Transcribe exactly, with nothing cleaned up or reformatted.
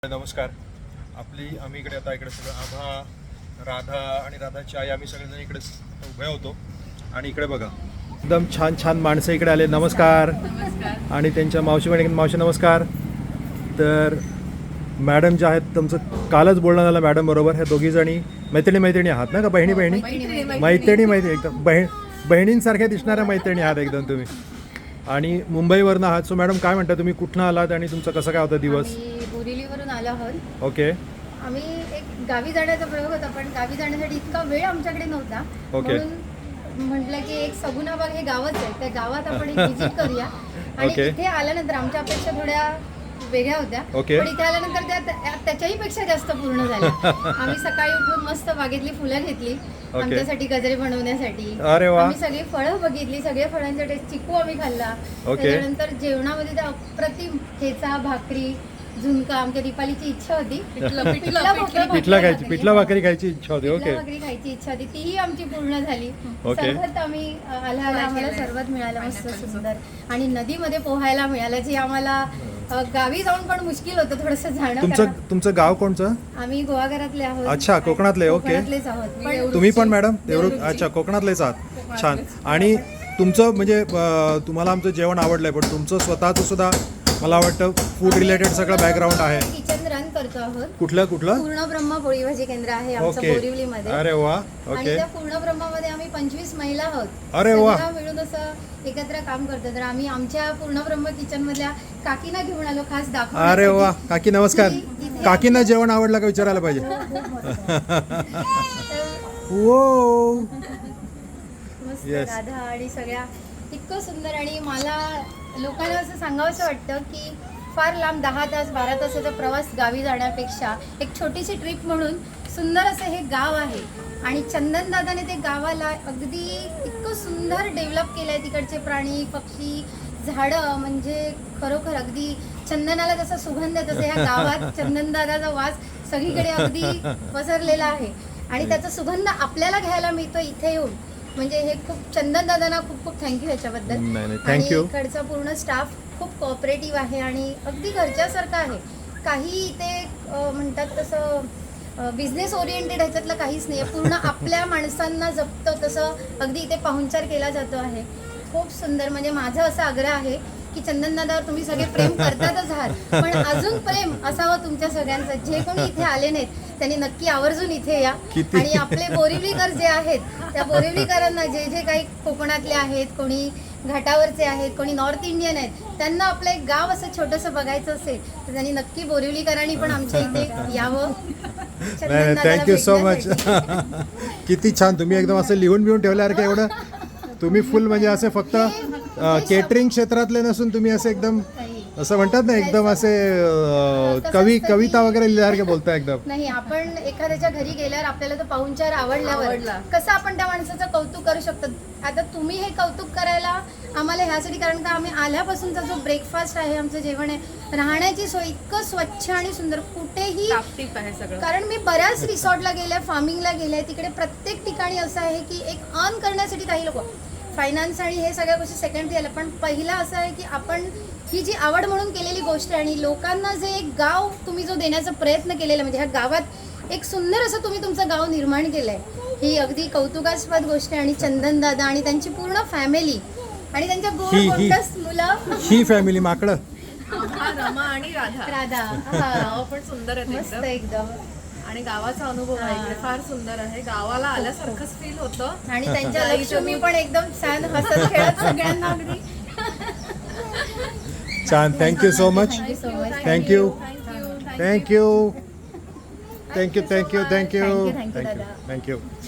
नमस्कार. आपली आम्ही इकडे आता इकडे सगळं आभा, राधा आणि राधाची आई आम्ही सगळेजण इकडे उभे होतो आणि इकडे बघा एकदम छान छान माणसं इकडे आले. नमस्कार. आणि त्यांच्या मावशी बहिणी मावशी नमस्कार. तर मॅडम ज्या आहेत तुमचं कालच बोलणं झालं मॅडम बरोबर. ह्या दोघी जणी मैत्रिणी मैत्रिणी आहात ना का बहिणी बहिणी मैत्रिणी मैत्रिणी एकदम बहीण बहिणींसारख्या दिसणाऱ्या मैत्रिणी आहात एकदम तुम्ही. आणि मुंबईवरनं आहात. सो मॅडम काय म्हणता तुम्ही कुठनं आलात आणि तुमचा कसा काय होता दिवस? बोरिवलीवरून आलो आहोत. ओके. आम्ही एक गावी जाण्याचा प्रयोग होता पण गावी जाण्यासाठी इतका वेळ आमच्याकडे नव्हता. ओके. म्हणून म्हटलं की एक सगुणाबाग हे गावच आहे त्या गावात आपण एक व्हिजिट करूया. आणि ओके. इथे आल्यानंतर आमच्या अपेक्षा थोड्या वेगळ्या होत्या. ओके. पण इथे आल्यानंतर त्या त्याच्याही पेक्षा जास्त पूर्ण झाल्या. आम्ही सकाळी उठून मस्त बागेतली फुलं घेतली आमच्यासाठी गजरे बनवण्यासाठी. अरे वा. आम्ही सगळी फळं बघितली. सगळ्या फळांचा टेस्ट चिकू आम्ही खाल्ला. त्याच्यानंतर जेवणामध्ये त्या अप्रतिम ठेचा भाकरी झुणका आमच्या दीपालीची इच्छा होती. पिठला खायची पिठला भाकरी खायची इच्छा होती. ओके. भाकरी खायची इच्छा होती तीही आमची पूर्ण झाली. सरबत आम्ही आला आला आम्हाला सरबत मिळालं मस्त सुंदर. आणि नदीमध्ये पोहायला मिळालं जे आम्हाला गावी जाऊन पण मुश्किल होतं थोडंसं जाणं. तुमचं तुमचं गाव कोणचं? आम्ही गोवाघरातले आहोत. अच्छा कोकणातले. ओके. कोकणातलेच आहोत. पण तुम्ही पण मॅडम देवरुख. अच्छा कोकणातलेच आहात. छान. आणि तुमचं म्हणजे तुम्हाला आमचं जेवण आवडलंय पण तुमचं स्वतःचं सुद्धा मला वाटतं फूड रिलेटेड सगळं बॅकग्राऊंड आहे. किचन रन करतो आहोत. कुठलं कुठलं? पूर्ण ब्रह्म पोळी भाजी केंद्र आहे आमचं बोरिवलीमध्ये. अरे वा. आणि ओके. त्या पूर्ण ब्रह्मामध्ये आम्ही पंचवीस महिला आहोत. अरे वा. मिळून असं एकत्र काम करतो. तर आम्ही आमच्या पूर्ण ब्रह्म किचन मधल्या काकीना घेऊन आलो खास दाखव. अरे वा. काकी नमस्कार. काकींना जेवण आवडलं का विचारायला पाहिजे. ओ मस्त राधा आणि सगळ्या इतकं सुंदर. आणि मला लोकांना असं सांगावंसं वाटतं की फार लांब दहा तास बारा तासाचा प्रवास गावी जाण्यापेक्षा एक छोटीशी ट्रिप म्हणून सुंदर असं हे गाव आहे. आणि चंदनदादाने ते गावाला अगदी इतकं सुंदर डेव्हलप केलं आहे. तिकडचे प्राणी पक्षी झाडं म्हणजे खरोखर अगदी चंदनाला जसा सुगंध आहे तसं ह्या गावात चंदनदादाचा वास सगळीकडे अगदी पसरलेला आहे. आणि त्याचा सुगंध आपल्याला घ्यायला मिळतो इथे येऊन. म्हणजे हे खूप चंदन दादांना खूप खूप थँक्यू ह्याच्याबद्दल. आणि इकडचा पूर्ण स्टाफ खूप कोऑपरेटिव्ह आहे आणि अगदी घरच्यासारखं आहे. काही इथे म्हणतात तसं बिझनेस ओरिएंटेड ह्याच्यातलं काहीच नाही आहे. पूर्ण आपल्या माणसांना जपतं तसं अगदी इथे पाहुणचार केला जातो आहे. खूप सुंदर. म्हणजे माझा असा आग्रह आहे की चंदन दादावर तुम्ही सगळे प्रेम करतातच आहात पण अजून प्रेम असावं तुमच्या सगळ्यांचं. जे कोणी इथे आले नाहीत त्यांनी नक्की आवर्जून इथे या. आणि आपले बोरिवलीकर जे आहेत त्या बोरिवलीकरांना जे जे काही कोकणातले आहेत कोणी घाटावरचे आहेत कोणी नॉर्थ इंडियन आहेत त्यांना आपलं एक गाव असं छोटंसं बघायचं असेल तर त्यांनी नक्की बोरिवलीकरांनी पण आमच्या इथे यावं. Thank you so much. किती छान. तुम्ही एकदम असं लिहून बिहून ठेवल्यासारखं एवढं तुम्ही फुल म्हणजे असे फक्त केटरिंग क्षेत्रातले नसून तुम्ही असे एकदम असं म्हणतात ना एकदम असे कवी कविता वगैरे लिहिल्यासारखे बोलता एकदम. नाही आपण एखाद्याच्या घरी गेल्यावर आपल्याला तो पाहुणचार आवडल्यावर कसं आपण त्या माणसाचं कौतुक करू शकतो. आता तुम्ही हे कौतुक करायला आम्हाला ह्यासाठी कारण का आम्ही आल्यापासूनचा जो ब्रेकफास्ट आहे आमचं जेवण आहे राहण्याची सोय इतकं स्वच्छ आणि सुंदर कुठेही. कारण मी बऱ्याच रिसॉर्टला गेल्या फार्मिंगला गेल्या तिकडे प्रत्येक ठिकाणी असं आहे की एक अर्न करण्यासाठी काही लोक फायनान्स आणि हे सगळ्या गोष्टी सेकंडरी आल्या पण पहिला असं आहे की आपण ही जी आवड म्हणून केलेली गोष्ट आहे आणि लोकांना जे एक गाव तुम्ही जो देण्याचा प्रयत्न केलेला म्हणजे ह्या गावात एक सुंदर असं तुम्ही तुमचं गाव निर्माण केलंय ही अगदी कौतुकास्पद गोष्ट आहे. आणि चंदन दादा आणि त्यांची पूर्ण फॅमिली आणि त्यांच्या गोड गोंडस मुलं ही फॅमिली माकडं रमा आणि राधा राधा नाव पण सुंदर आहे मस्त एकदम. आणि गावाचा अनुभव आहे इकडे फार सुंदर आहे. गावाला आल्यासारखंच फील होतं. आणि त्यांच्या लक्ष्मी पण एकदम छान हसत खेळत सगळ्यांना अगदी छान. Thank you so much. Thank you thank you thank you thank you thank you thank you thank you.